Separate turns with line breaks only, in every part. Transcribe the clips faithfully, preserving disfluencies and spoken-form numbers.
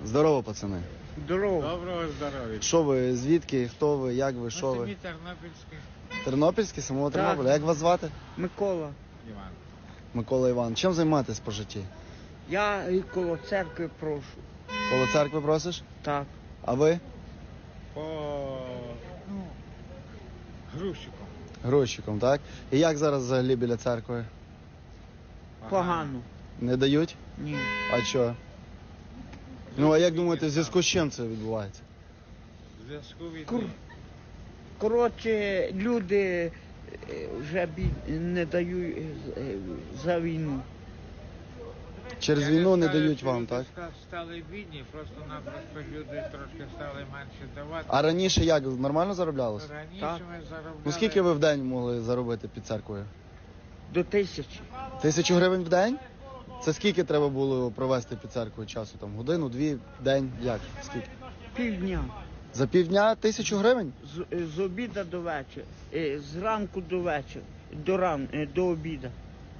Здорово, пацани.
Здорово.
Доброго здоров'я.
Що ви, звідки, хто ви, як ви, що
Ми
ви?
самі тернопільські.
Тернопільський, самого
Так.
Тернополя. Як вас звати?
Микола.
Іван.
Микола Іван. Чим займаєтесь по житті?
Я і коло церкви прошу.
Коло церкви просиш?
Так.
А ви?
По ну, грузчиком.
Грузчиком, так? І як зараз взагалі біля церкви?
Погано.
Не дають?
Ні.
А що? Ну, а як думаєте, в зв'язку з чим це відбувається?
В зв'язку від
Кур- Коротше, люди е, вже бі- не дають е, за війну.
Через
Я не
війну не
скажу,
дають
що
вам,
люди
так?
ска- стали бідні, просто-напросто люди трошки стали менше давати.
А раніше як? Нормально зароблялося?
Раніше
Так.
ми заробляли...
Ну скільки ви в день могли заробити під церквою?
До тисячі.
Тисячу гривень в день? Це скільки треба було провести під церквою часу? Там годину, дві, день? Як? Скільки?
Півдня.
За півдня тисячу гривень?
З, е, з обіда до вечора. Е, Зранку до вечора. До ран, е, до обіда.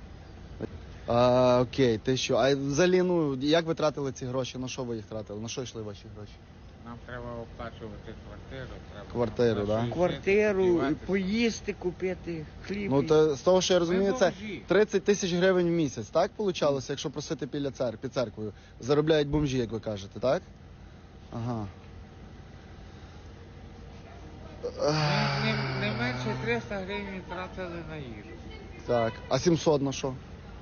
А, окей, ти що? А взагалі, ну, як ви тратили ці гроші? На що ви їх тратили? На що йшли ваші гроші?
Нам треба оплачувати квартиру. Треба
Квартиру,
на
да?
щось
Квартиру,
жити,
і
сподіватися.
поїсти, купити, хліб.
Ну,
і-
то з того, що я розумію, це
бомжі.
тридцять тисяч гривень в місяць, так получалося, якщо просити біля цер... під церквою? Заробляють бомжі, як ви кажете, так? Ага.
Ми не, не менше триста гривень тратили на їжу.
Так. А сімсот на що?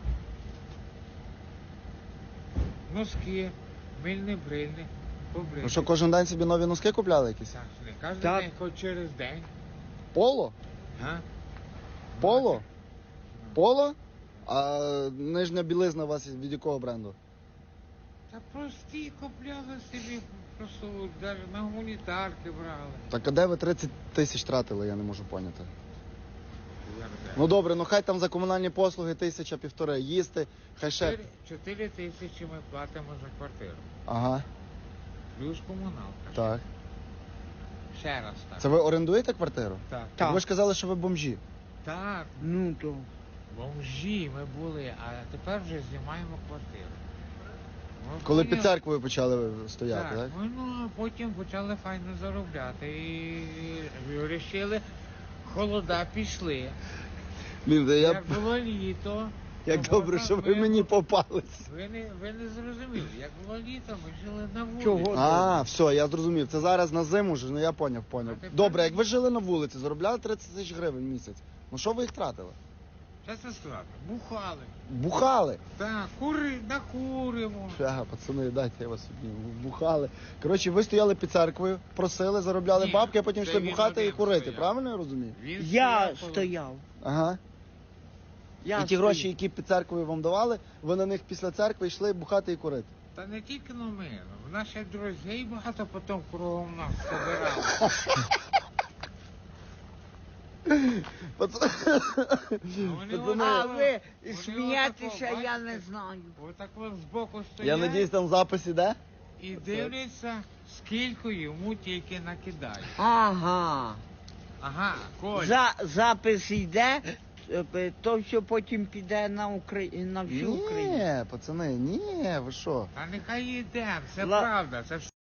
Носки, мильні, брильні, побрити.
Ну що, кожен день собі нові носки купляли якісь?
Так, не кожен
Так.
день, хоч через день.
Поло?
А?
Поло? Поло? А нижня білизна у вас від якого бренду?
Та прості купляли собі, просто навіть на гуманітарки брали.
Так а де ви тридцять тисяч тратили, я не можу поняти.
Я не знаю.
Ну добре, ну хай там за комунальні послуги тисяча півтори, їсти, хай ще.
Чотири- Чотири тисячі ми платимо за квартиру.
Ага,
Плюс комуналка.
так.
Ще раз так.
Це ви орендуєте квартиру?
Так.
Так.
Ви ж казали, що ви бомжі.
Так,
Ну, то.
бомжі ми були, а тепер вже знімаємо квартиру. Ну,
Коли
поняв?
під церквою почали стояти, так?
Так, ну, ну, а потім почали файно заробляти і вирішили, холода пішли.
Блін, я...
Як було літо.
Як
то
добре,
можна
що ви
ми-
мені попались.
Ви не, ви не зрозуміли, як було літо, ми жили на вулиці.
Чого?
А, все, я зрозумів. Це зараз на зиму ж, ну я поняв, поняв.
А тепер-
Добре, як ви жили на вулиці, заробляли тридцять тисяч гривень в місяць. Ну що ви їх тратили?
Чесно сказати, бухали.
Бухали.
Так, кури, накуримо.
Ага, пацани, дайте я вас обніму. Бухали. Коротше, ви стояли під церквою, просили, заробляли
Ні,
бабки, а потім
це
йшли
він
бухати і
один
курити.
стояв.
Правильно я розумію?
Він
Я
стояв коло-
стояв.
Ага.
Я
І ті
стояв.
гроші, які під церквою вам давали, ви на них після церкви йшли бухати і курити.
Та не тільки на мене. В наші друзі багато потім кругом нас собирали.
Пацани,
Вони
Пацани,
А
отако-
ви
вони
смієтеся,
отако,
я не
бачите,
знаю.
Отак от збоку
я
стоять
надіюсь, там запис іде?
і дивляться, скільки йому тільки накидають.
Ага.
Ага, Коль.
За, запис йде, е, то що потім піде на, Украї... на всю Україну.
Ні, пацани, ні, ви що?
Та нехай йде, це
Ла-
правда, це